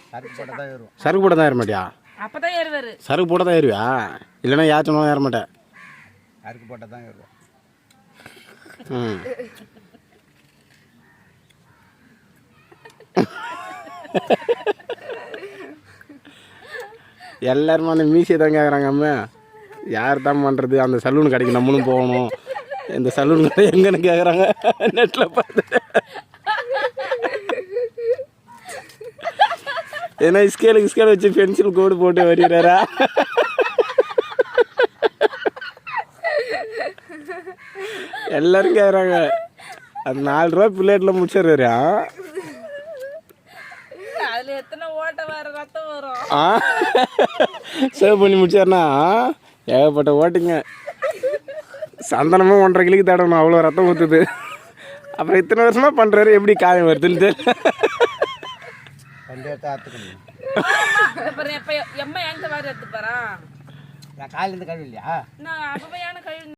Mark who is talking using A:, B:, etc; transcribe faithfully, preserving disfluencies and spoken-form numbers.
A: சருக்கு போட தான் ஏறும்.
B: சருக்கு போட தான் ஏற மாட்டியா?
C: அப்பதான் ஏறுவாரு.
B: சருக்கு போட தான் ஏறுவியா? இல்லைன்னா யாச்சனும் ஏற மாட்டேன்.
A: சருக்கு போட்ட தான் ஏறுவோம்.
B: ம் எல்லாருமே அந்த மீசியை தான் கேட்குறாங்க. அம்மா யார் தான் பண்ணுறது, அந்த சலூன் கடைக்கு நம்மளும் போகணும், இந்த சலூன் கடை எங்கன்னு கேட்குறாங்க நெட்டில் பார்த்து. ஏன்னா ஸ்கேலுக்கு ஸ்கேல் வச்சு பென்சில் கோடு போட்டு வரைகிறாரா? எல்லாரும் கேட்குறாங்க. அது நாலு ரூபா பிள்ளைட்டில் முடிச்சிடுறாரு.
C: அதுல எத்தனை ஓட்ட வர ரத்தம் வரும்.
B: ஆ சேவ் பண்ணி முடிச்சாருனா ஏகப்பட்ட ஓட்டுங்க. சந்தனமும் ஒன்றரை கிளிக்கு தடணும், அவ்வளோ ரத்தம் ஊற்றுது. அப்புறம் இத்தனை வருஷமாக பண்ணுறாரு, எப்படி காயம் வருதுன்னு தெரியல.
C: அப்புறம் எப்ப எம்மா எங்க வாரி எடுத்து போறான்?
A: நான் காலையிலேருந்து கழுவி இல்லையா?
C: நான் அப்ப கழுவி